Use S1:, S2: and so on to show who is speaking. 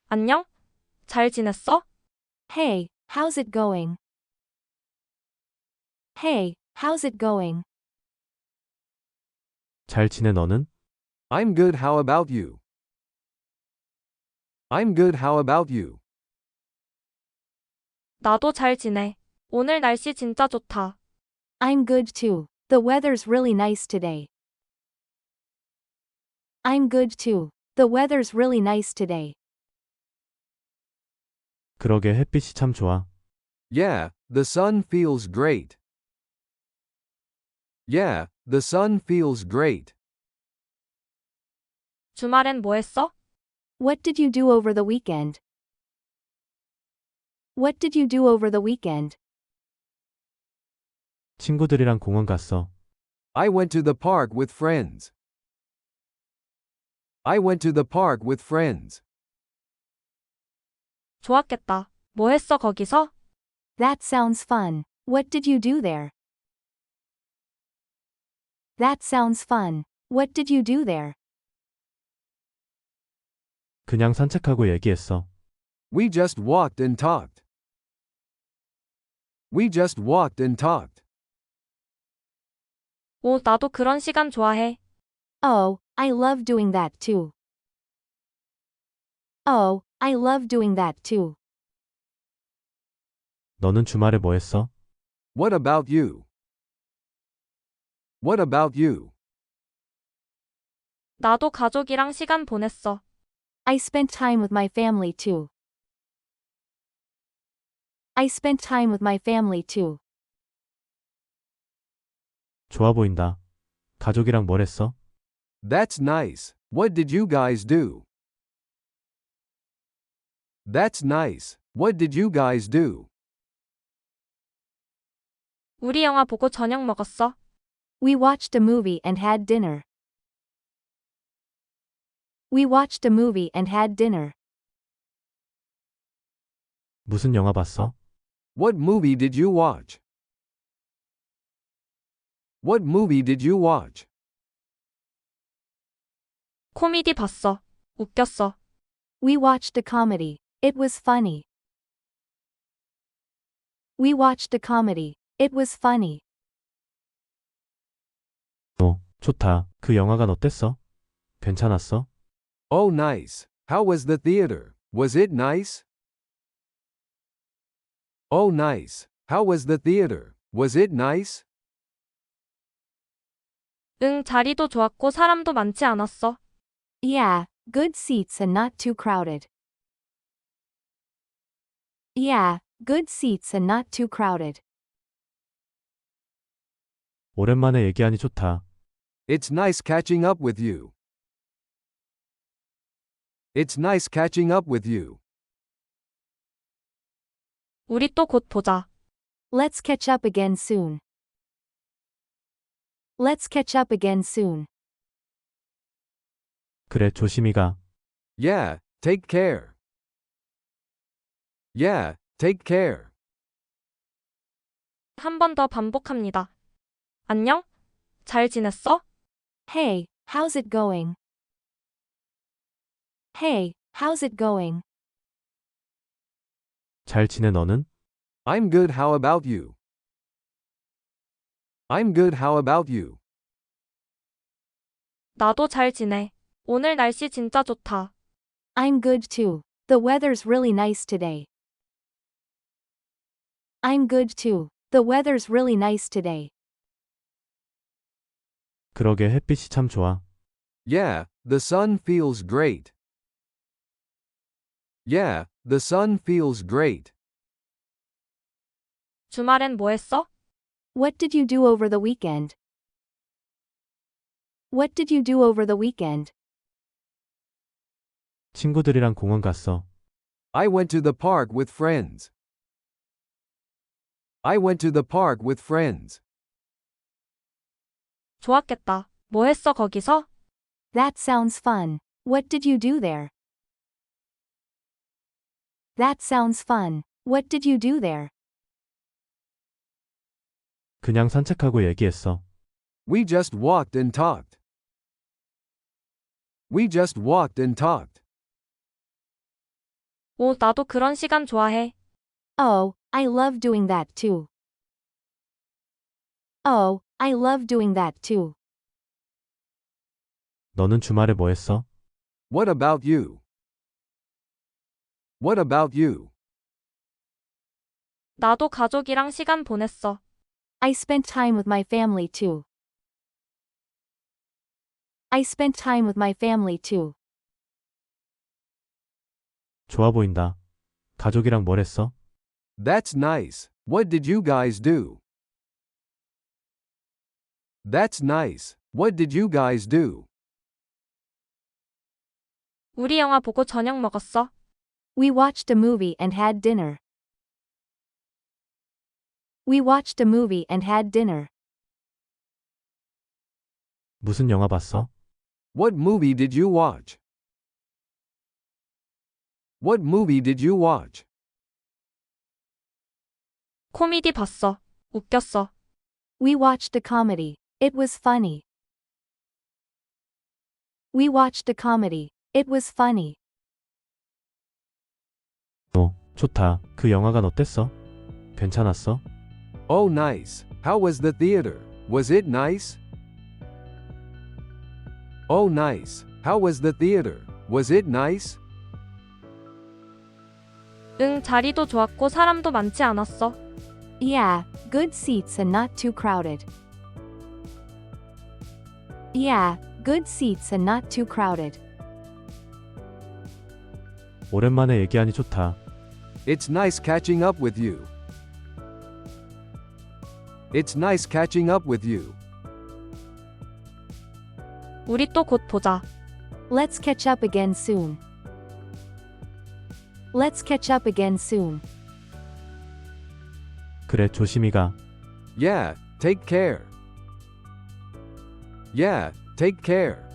S1: 안녕? 잘 지냈어?
S2: Hey, how's it going? Hey, how's it going?
S3: 잘 지내 너는?
S4: I'm good, how about you? I'm good, how about you?
S1: 나도 잘 지내. 오늘 날씨 진짜 좋다.
S2: I'm good too. The weather's really nice today. I'm good too. The weather's really nice today.
S3: 그러게 햇빛이 참 좋아.
S4: Yeah, the sun feels great. Yeah, the sun feels great.
S1: 주말엔 뭐 했어?
S2: What did you do over the weekend? What did you do over the weekend?
S3: 친구들이랑 공원 갔어.
S4: I went to the park with friends. I went to the park with friends.
S1: 좋았겠다. 뭐 했어 거기서?
S2: That sounds fun. What did you do there? That sounds fun. What did you do there?
S3: 그냥 산책하고 얘기했어.
S4: We just walked and talked. We just walked and talked.
S1: 오, 나도 그런 시간 좋아해.
S2: Oh, I love doing that too. Oh, I love doing that too.
S3: 너는 주말에 뭐 했어?
S4: What about you? What about you?
S1: 나도 가족이랑 시간 보냈어.
S2: I spent time with my family too. I spent time with my family too.
S3: 좋아 보인다. 가족이랑 뭘 했어?
S4: That's nice. What did you guys do? That's nice. What did you guys do?
S1: 우리 영화 보고 저녁 먹었어.
S2: We watched a movie and had dinner. We watched a movie and had dinner.
S3: 무슨 영화 봤어?
S4: What movie did you watch? What movie did you watch?
S1: 코미디 봤어. 웃겼어.
S2: We watched a comedy. It was funny. We watched a comedy. It was funny.
S3: 좋다. 그 영화관 어땠어? 괜찮았어?
S4: Oh, nice. How was the theater? Was it nice? Oh, nice. How was the theater? Was it nice?
S1: 응, 자리도 좋았고 사람도 많지 않았어.
S2: Yeah, good seats and not too crowded. Yeah, good seats and not too crowded.
S3: 오랜만에 얘기하니 좋다.
S4: It's nice catching up with you. It's nice catching up with you.
S1: 우리 또 곧 보자.
S2: Let's catch up again soon. Let's catch up again soon.
S3: 그래, 조심히 가.
S4: Yeah, take care. Yeah, take care.
S1: 한 번 더 반복합니다. 안녕? 잘 지냈어?
S2: Hey, how's it going? Hey, how's it going?
S3: 잘 지내 너는?
S4: I'm good, how about you? I'm good, how about you?
S1: 나도 잘 지내. 오늘 날씨 진짜 좋다.
S2: I'm good too. The weather's really nice today. I'm good too. The weather's really nice today.
S3: 그러게 햇빛이 참 좋아.
S4: Yeah, the sun feels great. Yeah, the sun feels great.
S1: 주말엔 뭐 했어?
S2: What did you do over the weekend? What did you do over the weekend?
S3: 친구들이랑 공원 갔어.
S4: I went to the park with friends. I went to the park with friends.
S1: 좋았겠다. 뭐 했어 거기서?
S2: That sounds fun. What did you do there? That sounds fun. What did you do there?
S3: 그냥 산책하고 얘기했어.
S4: We just walked and talked. We just walked and talked.
S1: 오, 나도 그런 시간 좋아해.
S2: Oh, I love doing that too. Oh, I love doing that too.
S3: 너는 주말에 뭐 했어?
S4: What about you? What about you?
S1: 나도 가족이랑 시간 보냈어.
S2: I spent time with my family too. I spent time with my family too.
S3: 좋아 보인다. 가족이랑 뭘 했어?
S4: That's nice. What did you guys do? That's nice. What did you guys do?
S1: 우리 영화 보고 저녁 먹었어.
S2: We watched a movie and had dinner. We watched a movie and had dinner.
S3: 무슨 영화 봤어?
S4: What movie did you watch? What movie did you watch?
S1: 코미디 봤어. 웃겼어.
S2: We watched a comedy. It was funny. We watched a comedy. It was funny.
S3: 좋다. 그 영화관 어땠어? 괜찮았어?
S4: Oh, nice. How was the theater? Was it nice? Oh, nice. How was the theater? Was it nice?
S1: 응, 자리도 좋았고 사람도 많지 않았어.
S2: Yeah, good seats and not too crowded. Yeah, good seats and not too crowded.
S3: 오랜만에 얘기하니 좋다.
S4: It's nice catching up with you. It's nice catching up with you.
S1: 우리 또 곧 보자.
S2: Let's catch up again soon. Let's catch up again soon.
S3: 그래, 조심히 가.
S4: Yeah, take care. Yeah, take care.